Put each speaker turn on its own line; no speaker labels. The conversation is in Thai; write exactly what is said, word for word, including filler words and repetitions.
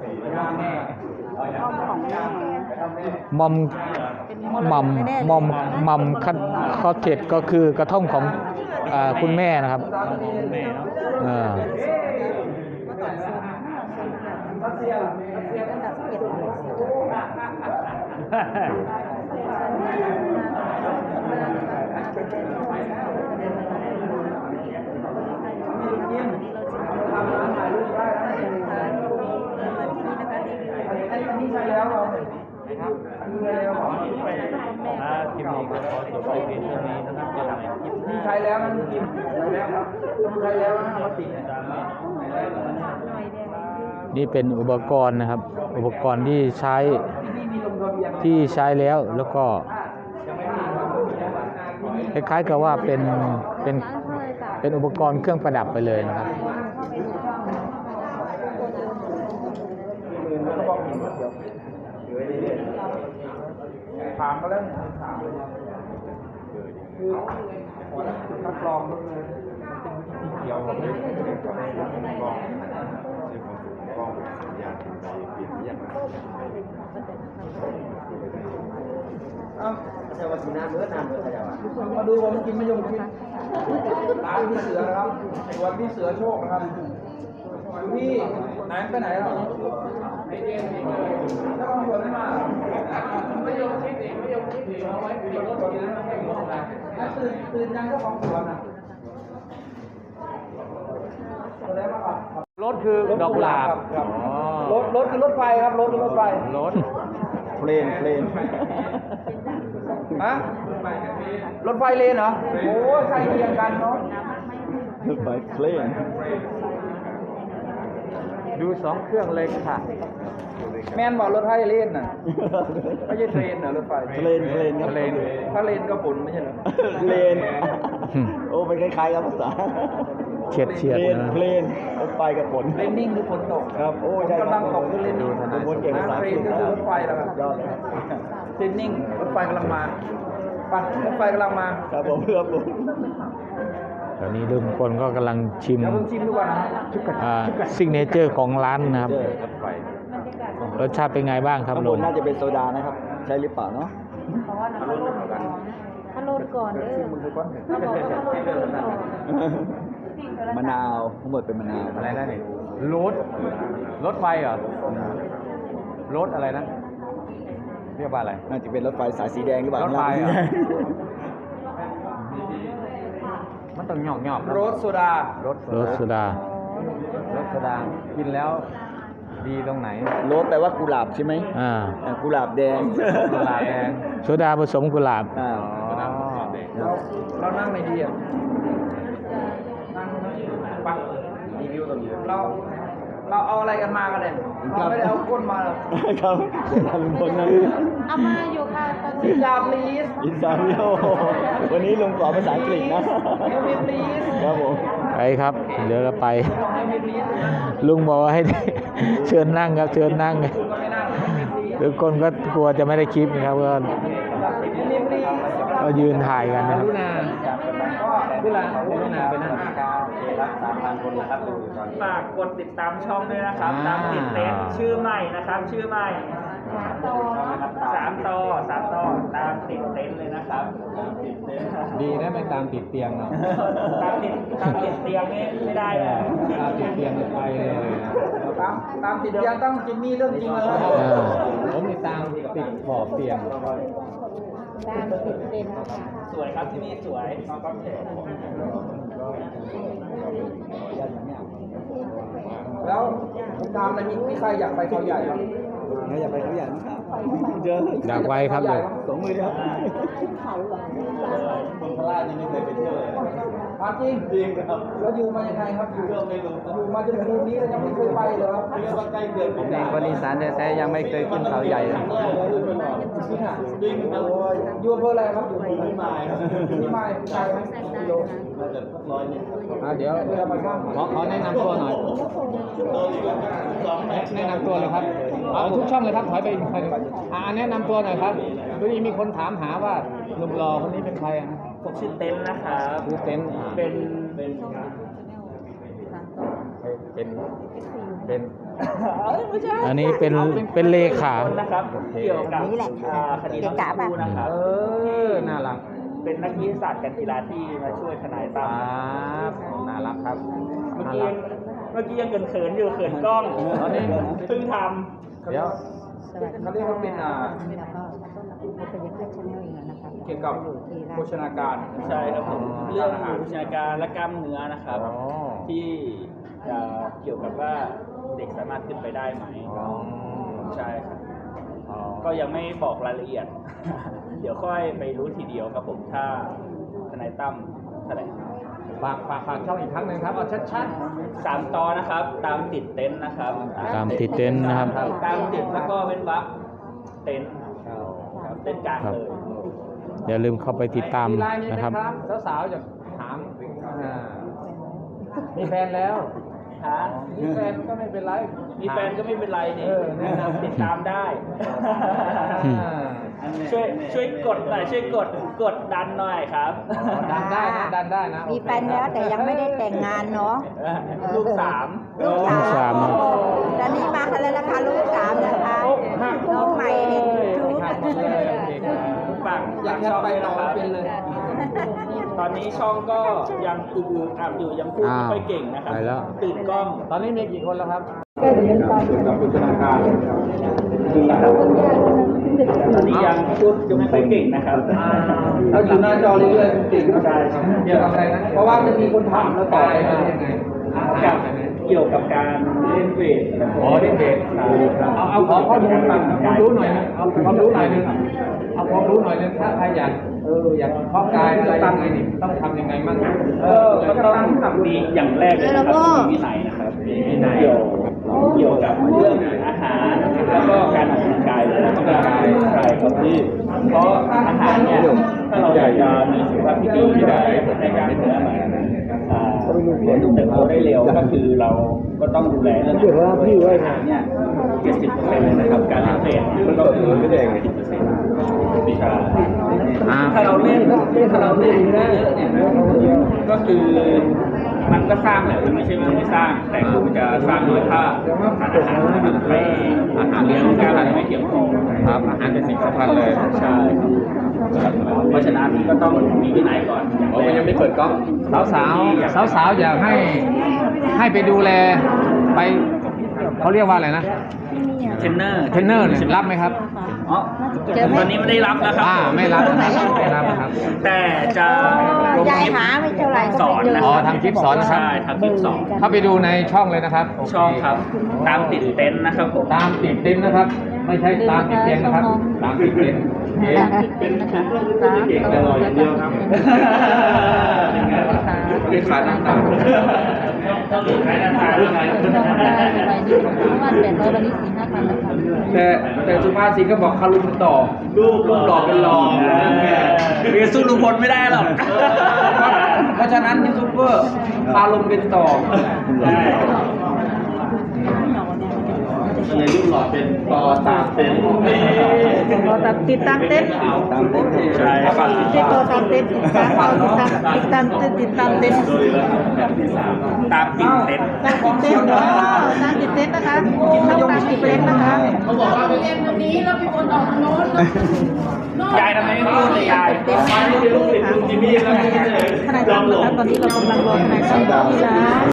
มอมมัมมอมมัมคัดคอเทดก็คือกระท่อมของอ่าคุณแม่นะครับเออ
ใช่แล้วเราครับใช่แล้วอ่าคลิปนี้ก็ขอจบไปเพียงเท่านี้นะครับจะทำคลิปนี้ใช้แล้วนะคลิปใช้แล้วครับใช้แล้วนะมาติด
นี่เป็นอุปกรณ์นะครับอุปกรณ์ที่ใช้ที่ใช้แล้วแล้วก็คล้ายๆกับว่าเป็นเป็นเป็นอุปกรณ์เครื่องประดับไปเลยนะครับ
ถามมาแล้วถามเลยคือขอคัดกรองด้วยนะที่เกี่ยวกับเรื่องของกรองที่ของกรองสัญญาณในเปลี่ยนเยี่ยมอ้าวเจ้าวัฒนาเมื่อนานเมื่อไหร่วะมาดูผมกินมะยงชิดร้านพี่เสือนะครับสวนพี่เสือโชคนะครับอยู่ที่ไหนไปไหนแล้วไอเดียนี่เลยแล้วก็ชวนมาไม่ยอมคิดเองไม่ยอมคิดเองเอาไว้คุยรถกินแล้วไม่หมดแล้วตื่นตื่นยังเจ้าของสวนอ่ะ
รถคือดอกกุหลาบ
รถรถคือรถไฟครับรถคือรถไฟ
รถ
เพลนเพลน
ฮะรถไฟเลนเหรอโอ้ใช่เรียงกันเนาะ
รถไฟเพลน
ดูสองเครื่องเลยค่ะ
แม่นบอกรถไฟเลนน่ะไม่ใช่เทรนน่ะรถไฟ
เพลนเพลนครับ
เพลน
ถ้าเลนก็ฝุ่นไม่ใช่เหรอ
เลนโอ้เป็นคล้ายๆกับภาษา
เฉียดเฉียดนะ
เพลนรถไฟกับฝน
เลนนิ่งคือฝนตก
ครับโอ้ใช่
กำลังตกคือเลนนิ่ง
เป็นคนเก่งภาษาอังกฤษ
ก็คือรถไฟแล้วครับ
ยอดเลย
เลนนิ่งรถไฟกำลังมาไปรถไฟกำลังมา
ครับผมเพื่อผม
ตอนนี้ลุงพลก็กำลังชิม
ชิมดูก่อนนะ
ซิกเนเจอร์ของร้านนะครับรสชาติเป็นไงบ้างครับลุง
น่าจะเป็นโซดานะครับใช่หรือเปล่าเนาะ
ถ้าโหลดก่อนถ้าโหลดก่อนเด้อถ้าบอกว่าถ้าโหลดก่อน
มะนาวทั้งหมดเป็นมะนาว
อะไรนั่นนี่รถรถไฟเหรอรถอะไรนะเรียกว่าอะไร
น่าจะเป็นรถไฟสายสีแดงหรือเปล่าร
ถไฟมันต้องหยอกหยอก
รสโซดาร
สรสโซดารสโซดากินแล้วดีตรงไหน
รสแปลว่ากุหลาบใช่ไหม
อ่า
กุหลาบแดง
กุหลาบแดงโซดาผสมกุหลาบ
อ่า
เราเรานั่งในดีอ่ะนั่งปักรีวิวกันเราเราเอาอะไรกันมากันเนี่ยเราไม่ได้เอาก้นมาหรอก
ครับทำบนนั้น
เอามาอยู่ค่ะตอนนี้
อินซาลีส
อินซาลิโอวันนี้ลุงสอนภาษาอังกฤษนะ
เอวิลีส
ครับผม
ไปครับเดี๋ยวเราไปลุงบอกให้เชิญนั่งครับเชิญนั่งทุกคนก็กลัวจะไม่ได้คลิปนะครับก็ก็ยืนถ่ายกันนะครับ
เวลาเวลาไปนั่งสามพันคนนะครับฝากกดติดตามช่องด้วยนะครับตามติดเต็นชื่อใหม่นะครับชื่อใหม่สามต่อสามต่อตามติดเต็นเลยนะครับ
ดีนะไม่ตามติดเตียงเนาะ
ตามติดตามติดเตียงนี่ไม่ได้เลย
ตามติดเตียงไปเลย
ตามตามติดเตียงต้องจิมมี่เรื่องจริงเลย
ผมติดตามติดขอบเตียง
ตามติดเต็น
สวยครับที่นี่สวยแล้วผมถามอะไรมีใครอยากไปเขาใหญ่ครับ
อยากไปเขาใหญ่ไหมครับเจอ
อยากไปครับเลย
สองมือเดียวคนพลาดยังไม่เคยไปเที่ยวเลย
จริง
จริงครับ
แล้วอยู่มายังไงครับอยู่
ก็ไม่รู้
อยู่มาจนถึงนี้แล้วยังไม่เคยไปเลยครับ
เรียกว่าใกล้เดือน
ผมเองคนอีสานแท้ๆยังไม่เคยขึ้นเขาใหญ่เลย
จริงโอ้ยอยู่อำเภออะไรครับอยู่ที่ไม้ที่ไม้ไกลไหมกิโล
น่าจะสักร้อยนิด
เดี๋ยวขอขอแนะนำตัวหน่อยแนะนำตัวเลยครับเอาทุกช่องเลยครับถอยไปอีกไปอ่าแนะนำตัวหน่อยครับวันนี้มีคนถามหาว่าหนุ่มหล่อคนนี้เป็นใครอ่ะ
ผมชื่อเต้นนะครับ
ชื่อเต้น
เป็นเป็น
เป็นเป็นอันนี้เป็นเป็นเลขา
นะครับ เกี่ยวกับ
นี่แหละ
อ่าคดีน้องชมพู่นะครับ
เออน่ารัก
เป็นนักวิทยาศาสตร์การกีฬาที่มาช่วยทนายตั้ม
ครับน่ารักครับ
เมื่อ
น่า
กี้
รั
ยั
ก
งเมื่อกี้ยังเขินๆอยู่เขินกล้อง
ตอนนี้
เพิ่งท
เดี๋ยว
สวัสดี
เขาเรียกว่าเป็นอ่า
แล้วก็เราเป็นยังไงชาแนลอยู่นะคะ
เกี่ยวกับโภชนาการ
ำใช่ครับผมเรื่องอาหารวิชาการและกล้ามเนื้อนะครับ
อ๋อ
ที่จะเกี่ยวกับว่าเด็กสามารถขึ้นไปได้ไหม
อ๋อ
ใช่ครับ
อ๋อ
ก็ยังไม่บอกรายละเอียด เดี๋ยวค่อยไปรู้ทีเดียวครับผมถ้าทนายตั้มแถลง
ฝากฝากฝากช่องอีกครั้งหนึ่งครับเอาชัด
สามตอนนะครับ ตามติดเต็นท์นะครับ
ตามติดเต็นท์นะครับ
ตามติดแล้วก็เว้นวรรคเต็นท์ครับเต็นท์กลาง
ครับ
เลย
อย่าลืมเข้าไป
ๆ
ติดตาม
ไลน์มีไหม
นะครับ
สาวๆจะถามอ่ามีแฟนแล้ว
ฮะ
มีแฟนก็ไม่เป็นไร
มีแฟนก็ไม่เป็นไรนี่
เออแนะนำ
ติดตามได้
อืม
อ่า
ช่วยช่วยกดหน่อยช่วยกดกดดันหน่อยครับ
ดันได้นะดันได้นะ
มีแฟนแล้วแต่ยังไม่ได้แต่งงานเนาะ
ลูกสาม
ลูก
ลูก
สา
สาม
มตอนนี้มากันแล้วนะคะลูกสามนะคะน้องใหม่เด็กชุด
ฝาก
อยาก
ฝ
จะ
ช่อง
ไป
ด้วย
ต่อ
นะครับ
เป็นเลย
ตอนนี้ช่องก็ยังอือๆอับอยู่ยังพูดไม่ค่อยเก่งนะครับ
ไปแล้ว
ตื่นกล้อง
ตอนนี้มีกี่คนแล้วครับ
กับโภชนาการ
ตอนนี้ยังพูดยังไม่ค่อยเก่งนะครับ
เราอยู่หน้าจอเรื่อยๆจริงๆใช่เกี่ยวกับอะไรนะ เพราะว่ามันมีคนถามแล้วตอบไปว่ายังไง
กับเกี่ยวกับการเล่นเวท
อ๋อเด็กเด็กเอาเอาขอข้อมูลมาความรู้หน่อยนึงเอาความรู้หน่อยนึงเอาความรู้หน่อยนึงถ้าใครอยากเอออยากเพาะกายอะไรยังไงนี่ต้องทำยังไงมั่ง
เออก็ต้องทำดีอย่างแรกเลยนะครับต้องมีวินัยนะครับมีวินัยเกี่ยวเกี่ยวกับเรื่องอาหารแล้วก็การออกกำลังกายเลยนะครับใช่ครับที่เพราะอาหารเนี่ยถ้าเราอยากจะมีสุขภาพที่ดีที่ได้ในการเติบโตอ่าเติบโตได้เร็วก็คือเราก็ต้องดูแลเรื่องอาหารเนี่ยเจ็ดสิบเปอร์เซ็นต์เลยนะครับการเล่นเวทก็คือไม่ได้สิบเปอร์เซ็นต์ใช่
อ่า
ถ้าเราเล่นถ้าเราเล่นเยอะเนี่ยก็คือมันก็สร้างแหละมันไม่ใช่ว่าไม่สร้าง แต่คือมันจะสร้างด้วยถ้าทานอาหารมันไม่อาหารเลี้ยงการอะไรไม่เพียงพอครับอาหารเป็นสิ่งสำคัญเลยใช่ครับเพราะฉะนั้นก็ต้องมีวินัยก่อน
ผมยังไม่เปิดกล้องสาวสาวสาวสาวๆอยากให้ให้ไปดูแลไปเขาเรียกว่าอะไรนะ
เทรนเนอร์
เทรนเนอร์เนี่ยรับไหมครับ
อ๋อตอนนี้ไม่ได้รับแล้วครั
อ่าไม่รับไม่รับครับ
แต่จะลง
ยา
ค
ย
ลิป
หาไม่เท่าไหร่
สอนนะ
อ๋อ
ครับ
ทำคลิปสอนนะครับ
ใช่ทำคลิปสอน
เข้าไปดูในช่องเลยนะครับ
ช่องครับ ตามติดเต็นท์นะครับผม
ตามติดเต็นท์นะครับ ไม่ใช่ตามติดเต็นท์นะครับ ตามติดเต็นท์โอเค
เป็นนะคะ
เก่งแต่รออย่างเดียวครับ
เป็นขาตั้งตา
ต้องดูใครนะทายใคร
แต่แต่สุภาษิตก็บอกคารุนต่อลูกลูกหล่อเป็นรอง
เรียนสู้ลุงพลไม่ได้หรอก
เพราะฉะนั้นยูทูบเบอร์คารุนเป็นต่อ
ในรูปหล่อเป็นต่อตามเป็น
ติดตามเต้น
ตามเป็น
ใช่ครับ
ติดตัวตามเต้นติดตามติดตามติดตามติดตามเต้น
ตามติดเต็นท์
ตามติดเต้นเนาะตามติดเต้นนะคะต้องตามติดเต้นนะคะ
ยายทำไมไม่พูดเลยยาย
เต้นนะคะ
จิมมี่แล้ว
ทนายตั้มนะคะตอนนี้เรากำลังรอทนายตั้มอยู่ที่ร้าน